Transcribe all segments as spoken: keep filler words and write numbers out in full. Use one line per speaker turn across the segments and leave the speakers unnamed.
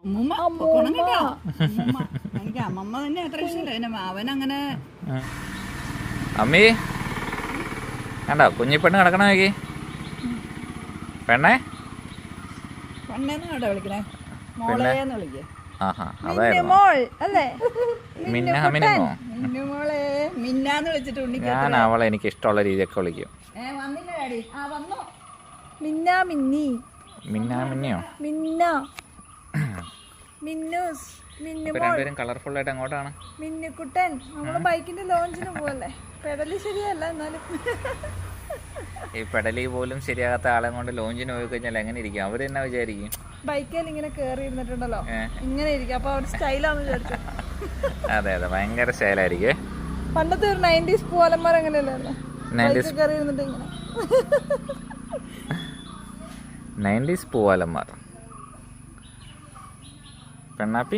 എനിക്ക് അമ്മമ്മ തന്നെ അത്ര ഇഷ്ടമില്ല. അവനങ്ങനെ
അമ്മി കണ്ടോ കുഞ്ഞിപ്പെണ്ണ് കിടക്കണ നോക്കി. പെണ്ണേ
പെണ്ണേന്ന് കേട്ടോ വിളിക്കണേ, മോളേന്ന് വിളിക്കേ.
ആഹാ അതായിരുന്നു
മോളെ മിന്നാന്ന് വിളിച്ചിട്ട് ഉണ്ണിക്ക്
ഞാൻ അവളെ എനിക്ക് ഇഷ്ടമുള്ള രീതിയൊക്കെ വിളിക്കും.
വന്നില്ല ഡാഡി? ആ വന്നു. മിന്നാ മിന്നി
മിന്നാ മിന്നിയോ
മിന്ന മിന്നൂസ് മിന്നു
രണ്ടുപേരും കളർഫുൾ ആയിട്ട് അങ്ങോട്ടാണ്.
മിന്നുക്കുട്ടൻ നമ്മള് ബൈക്കിന്റെ ലോഞ്ചിന് പോവല്ലേ? പെടല് ശരിയല്ല എന്നാലും
ഈ പെടലി പോലും ശരിയാകാത്ത ആളെ കൊണ്ട് ലോഞ്ചിന് പോയി കഴിഞ്ഞാൽ എങ്ങനെ ഇരിക്കും? അവര് തന്നെ വിചാരിക്കും
ബൈക്കിൽ ഇങ്ങനെ കേറി ഇരുന്നിട്ടുണ്ടല്ലോ ഇങ്ങനെ ഇരിക്കും. അപ്പൊ അവര് സ്റ്റൈലാന്ന് വിചാരിച്ചു.
അതെ അതെ ഭയങ്കര സ്റ്റൈലായിരിക്കും.
പണ്ടത്തെ ഒരു നയൻറ്റീസ് പൂവാലന്മാർ അങ്ങനെയല്ലേ? കേറി ഇരുന്നിട്ട് ഇങ്ങനെ
നയൻറ്റീസ് പൂവാലന്മാർ. പെണ്ണാപ്പി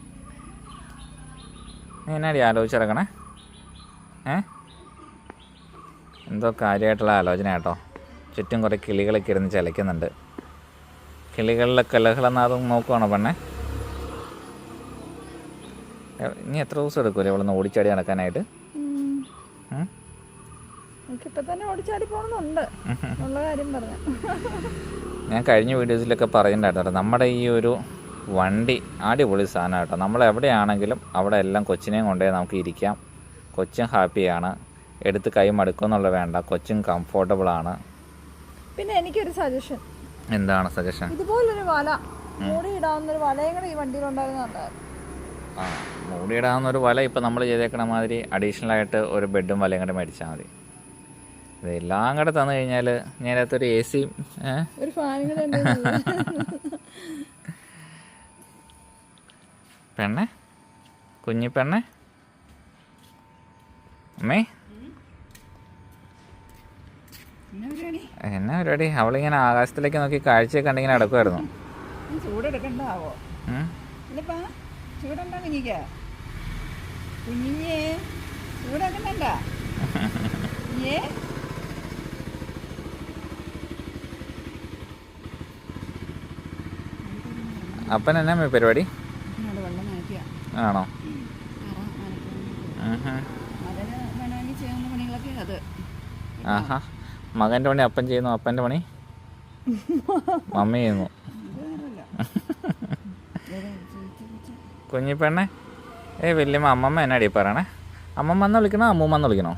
നീ എന്നാടി ആലോചിച്ചിറക്കണേ? ഏ എന്തോ കാര്യമായിട്ടുള്ള ആലോചന കേട്ടോ. ചുറ്റും കുറേ കിളികളൊക്കെ ഇരുന്ന് ചിലയ്ക്കുന്നുണ്ട്. കിളികളിലെ കലഹളനാദം നോക്കുവാണോ പെണ്ണെ? ഇനി എത്ര ദിവസം എടുക്കൂലേ ഇവിടെ നിന്ന് ഓടിച്ചാടി നടക്കാനായിട്ട്? ഞാൻ കഴിഞ്ഞ വീഡിയോസിലൊക്കെ പറയുന്നുണ്ടായിരുന്നു നമ്മുടെ ഈ ഒരു വണ്ടി അടിപൊളി സാധനം കേട്ടോ. നമ്മൾ എവിടെയാണെങ്കിലും അവിടെ എല്ലാം കൊച്ചിനെയും കൊണ്ടുപോയി നമുക്ക് ഇരിക്കാം. കൊച്ചും ഹാപ്പിയാണ്, എടുത്ത് കൈ മടുക്കുമെന്നുള്ള വേണ്ട, കൊച്ചും കംഫോർട്ടബിൾ ആണ്.
പിന്നെ എനിക്കൊരു സജഷൻ.
എന്താണ് സജഷൻ?
ഇതുപോലൊരു വല മൂടിയിടാവുന്നൊരു വലയും കൂടെ ഈ വണ്ടിയിലുണ്ടായിരുന്ന.
ആ മൂടിയിടാവുന്ന ഒരു വല ഇപ്പം നമ്മൾ ചെയ്തേക്കണ മാതിരി അഡീഷണൽ ആയിട്ട് ഒരു ബെഡും വലയും കൂടെ മേടിച്ചാൽ മതി. ഇതെല്ലാം കൂടെ തന്നു കഴിഞ്ഞാൽ ഞാനകത്തൊരു എ സിയും
ഒരു ഫാനും കൂടെ.
പെണ്ണെ കുഞ്ഞി പെണ്ണെ അമ്മേ എന്നാ പരിപാടി? അവളിങ്ങനെ ആകാശത്തിലേക്ക് നോക്കി കാഴ്ചയൊക്കെ കണ്ടിങ്ങനെ നടക്കുമായിരുന്നു.
ചൂടെടുക്കണ്ടാവോ? ചൂടുണ്ടോ കുഞ്ഞിക്ക? കുഞ്ഞിഞ്ഞേ ചൂടാക്കണ്ട. ഏ
അപ്പൻ എന്നാ പരിപാടി? ആണോ? ആഹാ മകൻ്റെ പണി അപ്പൻ ചെയ്യുന്നു, അപ്പൻ്റെ പണി മമ്മി ചെയ്യുന്നു. കുഞ്ഞിപ്പെണ്ണെ ഏ വല്യമ്മ അമ്മമ്മ എന്നാടി പറയണേ? അമ്മമ്മ എന്ന് വിളിക്കണോ അമ്മൂമ്മ എന്ന് വിളിക്കണോ?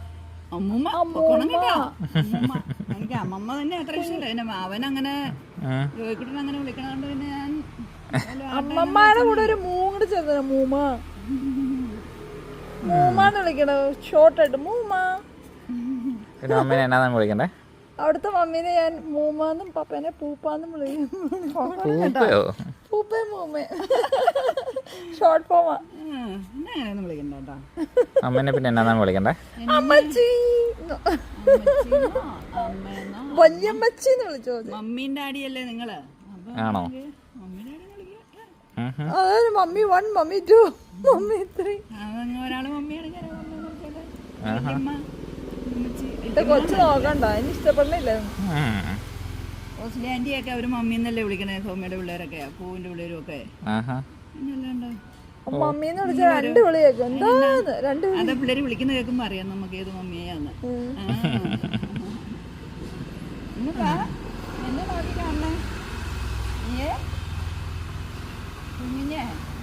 എനിക്ക് അമ്മമ്മ തന്നെ അത്ര ഇഷ്ടമില്ല. അവനങ്ങനെ അങ്ങനെ വിളിക്കണോണ്ട് പിന്നെ ഞാൻ അമ്മമ്മയുടെ കൂടെ ഒരു മൂങ്ങട് ചേർന്ന മൂമ്മ മൂമാന്ന് വിളിക്കണ ഷോർട്ടായിട്ട് മൂമ്മ.
പിന്നെ അമ്മേനെ എന്നാ വിളിക്കണ്ടേ?
അവിടുത്തെ മമ്മീനെ ഞാൻ മൂമാന്നും പപ്പേനെ പൂപ്പാന്നും വിളിക്കും. പൂപ്പേ മൂമ്മേ ഷോർട്ട് ഫോമാ. വിളിക്കണ്ട.
അമ്മേനെ പിന്നെ എന്നാ വിളിക്കണ്ടേ?
അമ്മച്ചി വല്യമ്മച്ചിന്ന് വിളിച്ചോ? മമ്മീൻ ഡാഡിയല്ലേ നിങ്ങള്?
ആണോ?
അതായത് mummy one mummy two mummy three. ഒരാള് മമ്മിയാണ്. കൊച്ചു നോക്കണ്ട, അതിന് ഇഷ്ടപ്പെടില്ല. ആന്റി ഒക്കെ അവര് മമ്മീന്നല്ലേ വിളിക്കണേ. സൗമ്യയുടെ പിള്ളേരൊക്കെ പൂവിന്റെ പിള്ളേരും ഒക്കെ മമ്മീന്ന് വിളിച്ചാൽ രണ്ട് വിളി കേൾക്കും. എന്താന്ന് രണ്ട് അതെ പിള്ളേര് വിളിക്കുന്ന കേൾക്കുമ്പോ അറിയാം നമുക്ക് ഏത് മമ്മിയാന്ന്. എന്നെ നോക്കി കാണണേ കുഞ്ഞിഞ്ഞേ.